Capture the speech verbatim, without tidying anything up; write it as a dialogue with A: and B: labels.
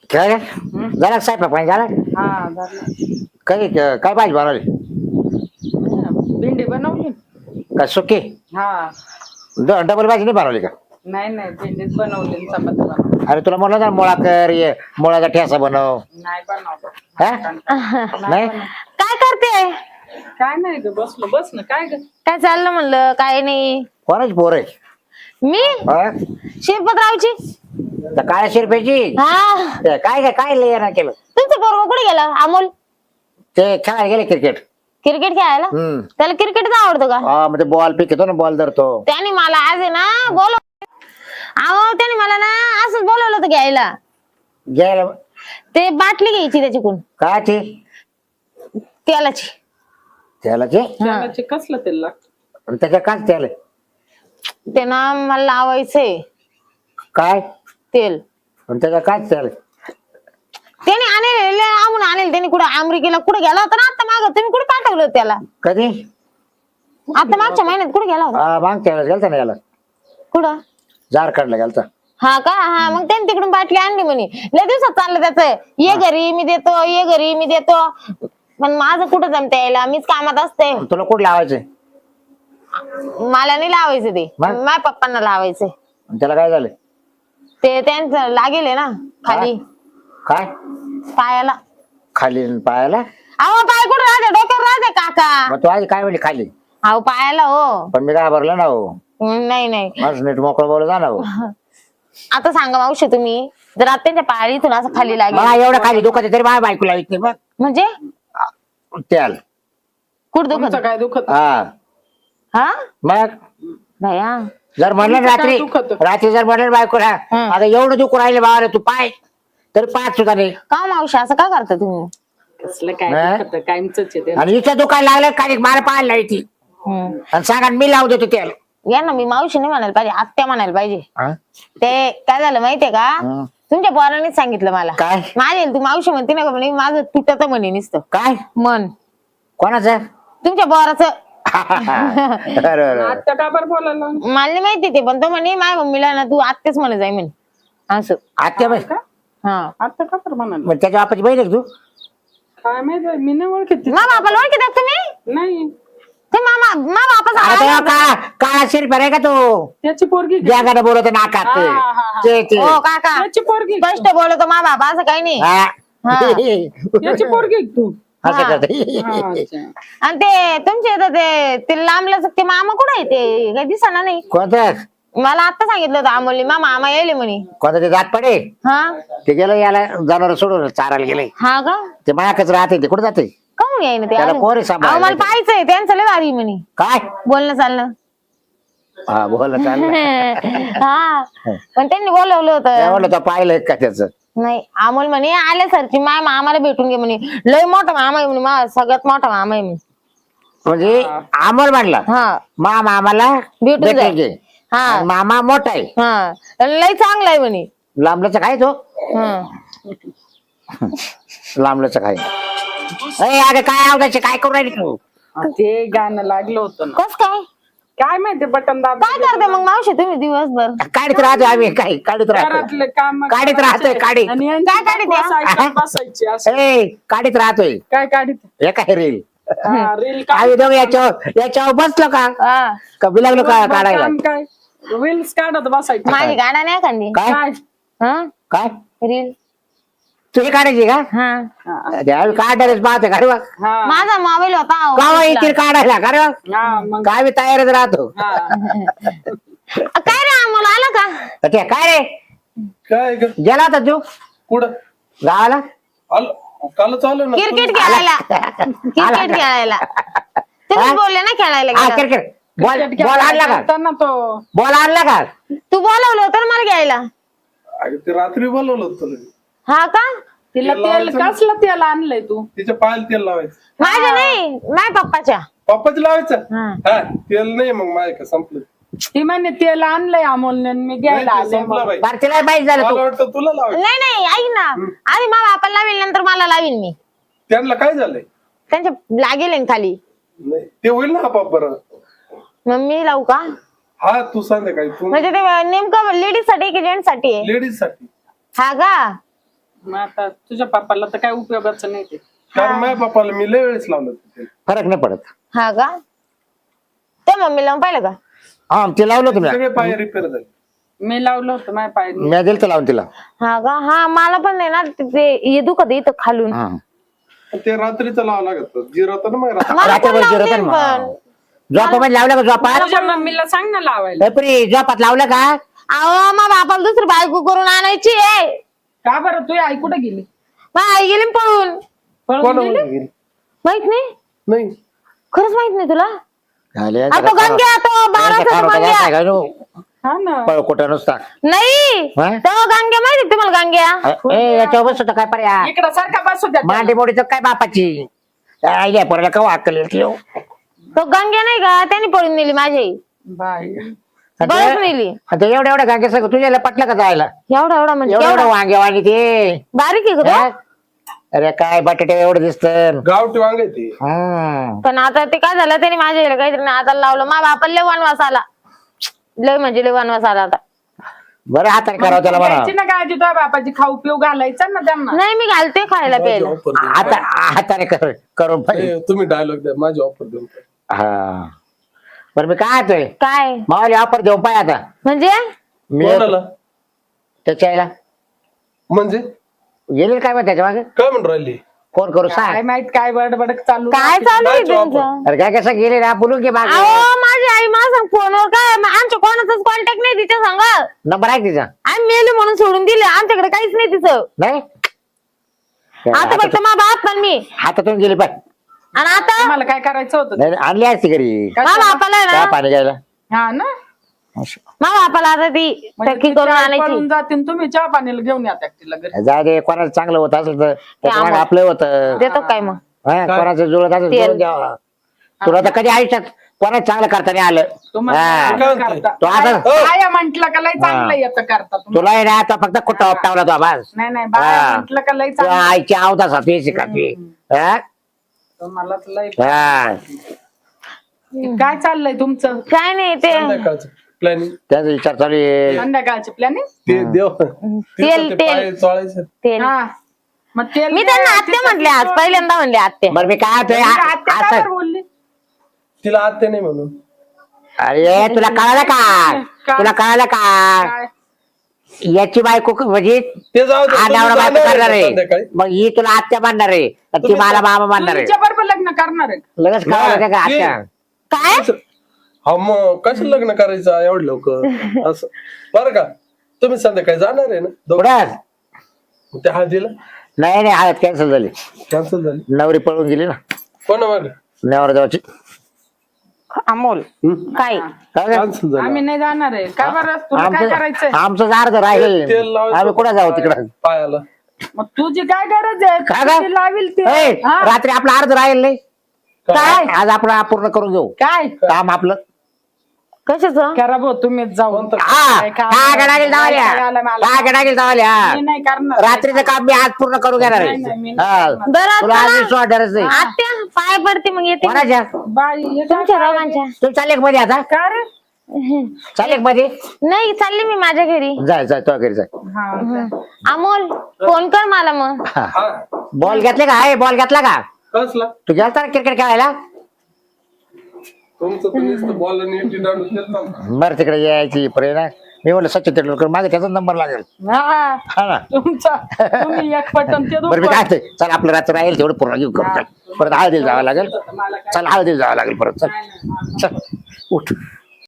A: काय झाला साहेब पाणी झाला
B: हा झालं.
A: काय काय पाहिजे बनवली
B: भेंडी बनवली.
A: काय सुकी
B: हा
A: ड- डबल भाजी नाही बनवली का
B: नाही नाही भेंडीच बनवली आणि चपाती बनवली.
A: अरे तुला म्हणलं ना मुळा कर ये मुळाचा ठेसा बनव
B: नाही बनवलं.
A: हा नाही
C: काय करते?
B: काय नाही ग बसलो बस ना काय ग.
C: काय चाललं म्हणलं? काय नाही.
A: कोणाची पोर आहे
C: मी
A: हा?
C: शिरपतरावची.
A: त्या काळ्या शिरपेची
C: हा
A: ते काय काय काय लय ना केलं
C: तुमचं पोरग कुठे गेला अमोल?
A: ते खेळायला गेले क्रिकेट
C: क्रिकेट खेळायला.
A: हम्म
C: त्याला क्रिकेटच आवडतं का?
A: हा म्हणजे बॉल पिकतो ना बॉल धरतो
C: त्याने मला आज आहे ना बोलव अहो त्याने मला ना असंच बोलवलं होतं घ्यायला.
A: घ्यायला
C: ते बाटली घ्यायची त्याच्याकडून
A: काय ते
C: तेलाची.
A: त्याला ते
B: जेवणाचे कसलं तेल लागतं.
A: त्याच्या काय त्याला
C: ते ना मला लावायचंय
A: काय
C: तेल.
A: पण त्याच्या काय त्याला
C: त्याने आणले आम्ही आणेल त्याने कुठं अमेरिकेला कुठे गेला होता ना आता माग तुम्ही कुठे पाठवलं होतं त्याला?
A: कधी
C: आता मागच्या महिन्यात कुठे गेला होता?
A: हा मागच्या वेळेस गेलता ना याला
C: कुठं?
A: झारखंडला गेलता
C: हा का? हा मग त्याने तिकडून बाटली आणली म्हणे. लय दिवसात चाललं त्याच ये घरी मी देतो ये घरी मी देतो पण माझं कुठं जमता यायला मीच कामात असते.
A: तुला कुठं लावायचंय
C: मला नाही लावायचं ते
A: मग?
C: माझ्या पप्पांना लावायचंय.
A: त्याला काय झालं
C: ते त्यांचं लागेल ना खाली
A: काय
C: पायाला.
A: खाली न पायाला
C: अहो पाय कुठं राहते डोक्यावर राहते काका.
A: मग तू आधी काय म्हणली खाली
C: अहो पायाला हो.
A: पण मी काय भरलं ना हो
C: नाही नाही
A: माझं नीट मोकळं बोल जा ना हो
C: आता सांगा मावशी तुम्ही जर आता त्यांच्या पायाला इथून असं खाली
A: मला
C: लागेल
A: एवढं खाली दुखत आहे तरी माझ्या बायकोला येत नाही बघ
C: म्हणजे
A: त्याल
C: कुठं
B: तुमचं
C: दुखत?
B: काय दुखत.
A: हा
C: हा
A: मग
C: भया
A: जर म्हणलं ना
B: तुमचं काय
A: रात्री
B: दुखतं?
A: रात्री जर म्हणलं ना बायकोला
C: हं.
A: आता एवढं दुखू राहिले बाबा तू पाय तरी पाच सुद्धा नाही
C: का मावशी असं का करता तुम्ही?
B: कसलं काय
A: नाही.
B: दुखत कायमच आहे ते.
A: आणि इथं दुखायला लागलं काही मला पाहायला येते
C: हम्म.
A: आणि सांगा मी लावू देतो त्याला
C: या ना मी मावशी नाही म्हणायला पाहिजे आत्या म्हणायला पाहिजे.
A: हा?
C: ते काय झालं माहितीये का
A: हं.
C: तुमच्या पोरांनीच सांगितलं मला.
A: काय
C: माझे तू मावशी म्हणते ना का म्हणे माझं तुटत म्हणे नुसतं
A: काय
C: मन
A: कोणाचं
C: तुमच्या पोराचं.
A: बरोबर
B: आता का बरं बोलायला.
C: मला नाही माहिती ते पण तो म्हणे माझ्या मम्मीला ना तू आत्याच म्हणे जाय म्हणे असं.
A: आत्या बाई
C: हा
B: आता का बरं म्हणाला.
A: मग त्याच्या बापाची बहीण आहे का तू
B: काय माहिती मी नाही ओळखत.
C: मा बापाला ओळखी तुम्ही?
B: नाही
C: ते मामा मा बापाचा
A: अरे
C: आवाज-
A: तेव्हा का काळा शिरपेर आहे का तू
B: त्याची पोरगी का?
A: जगाला बोलत नाकात
B: हा, हा, हा.
A: ते ते
C: हो काका
B: त्याची पोरगी का?
C: स्पष्ट बोलतो मा बाबा असं काही नाही.
A: हा.
C: हा.
B: त्याची पोरगी का तू.
A: असं
C: हा.
A: करते
B: हा, अच्छा.
C: आणि ते तुमचे इथं ते ते लांबलंच ते मामा कुठे आहे ते काही दिसना नाही.
A: कोणतं
C: मला आता सांगितलं होतं अमोलने मा मामा येले म्हणे.
A: कोणतं ते जात पडे
C: हा
A: ते गेलं याला जनावर सोडून चारायला गेले
C: हा का
A: ते मायाकच राहते ते कुठे जाते
C: काऊन येईन ते
A: त्याला
C: अजून?
A: कोण आहे
C: अहो,
A: सांभाळायला
C: मला पाहायचंय त्यांचं लय भारी म्हणे
A: काय
C: बोलणं चालणं.
A: हा बोल चाललं
C: हा पण त्यांनी बोलवलं
A: काय
C: होतं.
A: म्हणलं तो पाहिलंय का त्याच
C: नाही अमोल म्हणे आल्या सरची माय मामाला भेटून घे म्हणे लय मोठा मामा आहे म्हणे मा सगळ्यात मोठा मामा आहे म्हणे.
A: म्हणजे आमर मांडला
C: हा
A: मा मामाला
C: भेटून
A: भेटून
C: जाय.
A: घे
C: हा
A: आणि मामा मोठा आहे
C: हा लय चांगला आहे म्हणे.
A: लांबल्याचं काय तो
C: हा
A: लांबल्याचं काय अरे अरे काय आवडायचे काय करू राहिली तू
B: ते गाणं लागलं होतं ना.
C: कस काय
B: काय माहिती बटन दाब.
C: काय करते मग मावशी तुम्ही दिवसभर?
A: काढीत राहतो आम्ही काय काढीत राहतो
B: घरातले काम
A: काढीत राहतोय काढीत
B: आणि यांची
C: काय काढीत
B: बायको
C: आहे?
B: सायकल बसायची असं.
A: ए काढीत राहतोय
B: काय काढीत.
A: हे काय रील
B: हा, रील काढ.
A: आम्ही दोघं याच्यावर याच्यावर बसलो का
C: हा
A: का बिलागलो का काढायला
B: काम काय रील्स काढत बसायची.
C: माझी गाडा नाही खांदी.
A: काय
B: काय
C: हा
A: काय
C: रील.
A: तुझी काढायची का
C: हा
B: हा,
A: ते आम्ही काढणारच पाहते का रे बा
B: हा,
C: माझा मोबाईल होता अहो.
A: का येतील काढायला का रे बा?
B: हा, मग
A: काय मी तयारच राहतो
B: हा.
C: काय रे अमोल आला का?
A: ते काय रे
D: काय ग
A: गेला होता तू
D: कुठं
A: गावाला
D: आलो काल चालू ना
C: क्रिकेट खेळायला क्रिकेट खेळायला तुम्ही बोलले ना खेळायला
A: हा
C: गेला.
A: क्रिकेट बॉल
B: क्रिकेट
A: बॉल आणला का
B: खेळताना तो
A: बॉल आणला का
C: तू बोलवलं होतं ना मला घ्यायला.
D: अगं ते रात्री बोलवलं होतं तुला
C: हा का
B: तिला
D: तेल
B: तेल
D: लावायचं ना.
B: कसलं तेल आणलंय तू.
D: तिच्या पायाला तेल लावायचं
C: माझ्या नाही माझ्या पप्पाच्या.
D: पप्पाची लावायचं
C: हा.
D: हा तेल नाही मग माझ्या का संपलं
B: ती म्हणे तेल आणलंय अमोलने आणि मी घ्यायला
D: नाही, ते
B: आले
D: संपलं
B: मग.
D: बाई
A: बरं तिला माहित झालं
D: मला
A: तू
D: वाटतं तुला लावायचं
C: नाही नाही ऐक ना आधी मा बापाला लावील नंतर मला लावीन मी.
D: त्यांना काय झालंय
C: त्यांच्या लागेल आहे ना खाली
D: नाही ते होईल ना आपाप बरं
C: मग मी लावू का?
D: हा तू सांग काय तू
C: म्हणजे ते नेमकं लेडीज साठी की जेंट्स साठी आहे?
D: लेडीज साठी
C: हा का
B: मग आता तुझ्या पप्पाला तर काय उपयोगाचं नाही ते.
D: कारण माझ्या बापाला मी लय वेळेस लावलं तिथे.
A: फरक नाही पडत.
C: हा का ते मम्मी लावून पाहिलं का?
A: हा ते लावलं तुम्ही.
D: सगळे पाय रिपेअर झाले.
B: मी लावलं होतं माझ्या पाय.
A: मी दिलं तर लावून तिला.
C: हा का हा मला पण नाही ना ते हे दुखत इथं खालून.
A: हा.
D: ते रात्रीचं लावावं लागत जिरवतं ना मग रात्री.
C: मला पण
A: रात्रभर
C: लावते
A: जिरवतं ना
C: पण.
A: मग. झोपामध्ये लावलं का झोपात?
B: तुझ्या मम्मीला सांग ना लावायला.
A: बापरे, झोपात लावलं का?
C: अहो मा बापाला दुसरी बायको करून आणायची आहे.
B: का बरं तुझी आई कुठे गेली?
C: मग आई गेली ना पळून.
B: पळून
D: कोण
B: गेली?
D: गेली?
C: माहित नाही
D: नाही
C: खरंच माहित नाही तुला?
A: झाले,
C: आ, तो गंग्या तो बाराचा तो गंग्या.
B: हा ना.
A: पळ कुठं नुसता.
C: नाही
A: हा?
C: तो गंग्या माहिती तुम्हाला गंग्या?
A: ए याच्यावर बसतो काय पर्याय?
B: इकडं सारखा बसू द्या त्याला.
A: मांडी मोडीचं काय बापाची आयडिया पोराला का अक्कल येते हो?
C: तो गंग्या नाही का त्याने पळून नेली माझी आई.
B: बाई
C: बरंच नेली.
A: आता एवढ्या एवढ्या गांगे सगळं तुझ्याला पटलं का जायला?
C: एवढा एवढा म्हणजे
A: एवढं एवढं
C: केवढा?
A: वांगे वांगे ते
C: बारीक आहे का
A: हा?
C: तो?
A: अरे काय बटाटे एवढं दिसत.
D: गावठी वांग आहे ते.
C: पण आता ते काय झालं त्याने माझ्या आईला काहीतरी नादाला लावलं. मा बापाला लय वनवास आला. लय म्हणजे लय वनवास आला आता.
A: बरं हाताने करावं त्याला म्हणा.
B: घ्यायची ना काळजी तुझ्या बापाची खाऊ पिऊ घालायचा ना त्यांना.
C: नाही मी घालते खायला प्यायला.
D: ऑफर देऊन
A: हाता हाताने कर करून पाहिजे.
D: ए, तुम्ही डायलॉग द्या माझी ऑफर देऊन टाक.
A: हा बरं मी काय येतोय
C: काय
A: मावाली ऑफर देऊ पाय आता
C: म्हणजे?
A: मी
D: कोणाला?
A: त्याच्या आईला
D: म्हणजे
A: गेले काय मग त्याच्या मागे
D: काय म्हणून राहिली?
A: फोन करू
B: काय
A: सांग.
B: माहित काय बडबड चालू.
C: काय चालू आहे
D: काय job?
C: तुमचं?
A: अरे काय कसं गेले ना बोलून घे मागे.
C: अहो माझी आई मला सांग फोनवर काय म- आमच्या कोणाचाच कॉन्टॅक्ट नाही तिच्या संग.
A: नंबर आहे तिचा
C: आम्ही मेली म्हणून सोडून दिले. आमच्याकडे काहीच नाही तिचं.
A: नाही
C: आता फक्त मा बाप पण मी.
A: हातातून गेली पाय.
C: आणि आता
B: तुम्हाला काय करायचं होतं?
A: नाही नाही, आणली असती घरी
C: मा बापाला आहे
A: चहा
C: ना
A: पाणी घ्यायला.
B: हा ना.
C: मा बापाला आता ती
B: म्हणजे
C: टक्की
B: तिची
C: करून
B: आई
C: आणायची.
B: पळून जातील तुम्ही चहा पाणीला घेऊन या तिला घरी.
A: जाऊ दे कोणाचं चांगलं होत असेल तर त्याच्या मागे
C: आम्हाला-
A: आपलं होतं.
C: देतो काय मग?
A: हा, कोणाचं जुळत असेल
C: तेल.
A: जुळून द्यावं. तुला तर कधी आयुष्यात कोणाच चांगलं करता नाही आलं.
B: तुम्हाला
A: हा.
B: काय करता?
A: तो आता-
B: काय- काय म्हंटल का लय चांगलं येतं करता तुम्ही.
A: तुला ना आता फक्त कुठं उपटावला तो बस.
B: नाही नाही बाय
A: हा.
B: म्हंटल का लय
A: तुझ्या
B: चांगलं.
A: आईची आवता साथी शिकाती. हा?
B: तुम्हालाच लय.
A: हा.
B: काय चाललंय तुमचं?
C: काय नाही ते
D: संध्याकाळचं प्लॅनिंग
A: त्याचा विचार चालू आहे.
B: संध्याकाळची प्लॅनिंग.
D: ते देव
C: तेल-
D: ते
C: तेल.
D: पाय चोळायचं.
C: ते
B: हा मग तेल
C: मी त्यांना आत्या म्हटले आज पहिल्यांदा म्हणले आत्या.
A: बरं मी काय होतोय
B: आत्या काय
A: असं
B: बरं बोलली?
D: तिला आत्या नाही म्हणून.
A: अरे तुला कळालं का
B: काय?
A: तुला कळालं का
B: काय?
A: याची बायको क- म्हणजे
D: ते जाऊ दे,
A: हा
D: तुम्ही
A: नवरा बायको
D: जाणार
A: करणार
D: आहे
A: आहे.
D: संध्याकाळी.
A: मग ही तुला आत्या मानणार आहे आणि ती
D: तुम्ही-
A: मला मामा मानणार आहे.
B: तुमच्या बरोबर लग्न करणार आहे.
A: लगेच कळालं का
D: नाही,
A: आत्या?
C: काय
D: हा मग कसं लग्न करायचं एवढं लवकर असं बरं का तुम्ही संध्याकाळी जाणार आहे ना दोघं?
A: कुठं?
D: त्या हळदीला
A: नाही नाही हळद कॅन्सल झाली.
D: कॅन्सल झाली.
A: नवरी पळून गेली ना
D: कोणा मागे
A: नवरा जावाची.
C: अमोल काय
D: कॅन्सल झाली.
B: आम्ही नाही जाणार आहे. काय बरं तुला काय करायचंय?
A: आमचं अर्ध राहिले
D: तेल लावायचं
A: आम्ही कुठं जाऊ तिकडं.
D: पायाला.
B: मग तुझी काय गरज आहे?
A: काय गं?
B: ती लावील ती.
A: ए,
B: हा.
A: रात्री आपलं अर्ध राहील नाही
B: काय?
A: आज आपण अपूर्ण करून घेऊ
B: काय
A: काम आपलं.
C: कशाचं?
B: करा भाऊ तुम्हीच जाऊन.
D: कोणतं?
A: हा
B: काय काम?
A: काय गडागेल जावाल्या
B: काय आलं मला?
A: काय गडागेल जावाल्या
B: मी नाही करणार.
A: रात्रीचं काम मी आज पूर्ण करून घेणार
B: नाही, नाही, मी
A: आहे
B: नाही
A: हा.
B: करणार.
C: बरं
A: तुला आज
C: चला.
A: विश्वास वाटणारच नाही.
C: आत्या पाय पडते मग येते.
A: कोणाच्या
B: बाई हे काय
C: तुमच्या
B: करायचं?
C: दोघांच्या.
A: तू चालेल का मध्ये आता
B: का रे?
A: चालेल का मध्ये
C: नाही चालली मी माझ्या घरी.
A: जाय जाय तो घरी जाय.
B: हा
C: अमोल फोन कर मला मग.
D: हा
A: बॉल घेतले का आहे बॉल घेतला का
D: कसला
A: तू गेलता ना क्रिकेट खेळायला.
D: तुमचं तर नुसतं बॉल आणि इटी दांडून देता ना.
A: बरं तिकडे यायची प्रेरणा मी म्हणलं सचिन तेंडुलकर मागे त्याचा नंबर लागेल.
B: हा.
A: हा ना
B: तुमचा तुम्ही एक पटन ते
A: बरं मी काय ते चल आपलं रात्र राहील तेवढं पूर्ण घेऊ करू. परत हळदीला जावं लागेल. चल हळदीला जावं लागेल परत चल चल उठ.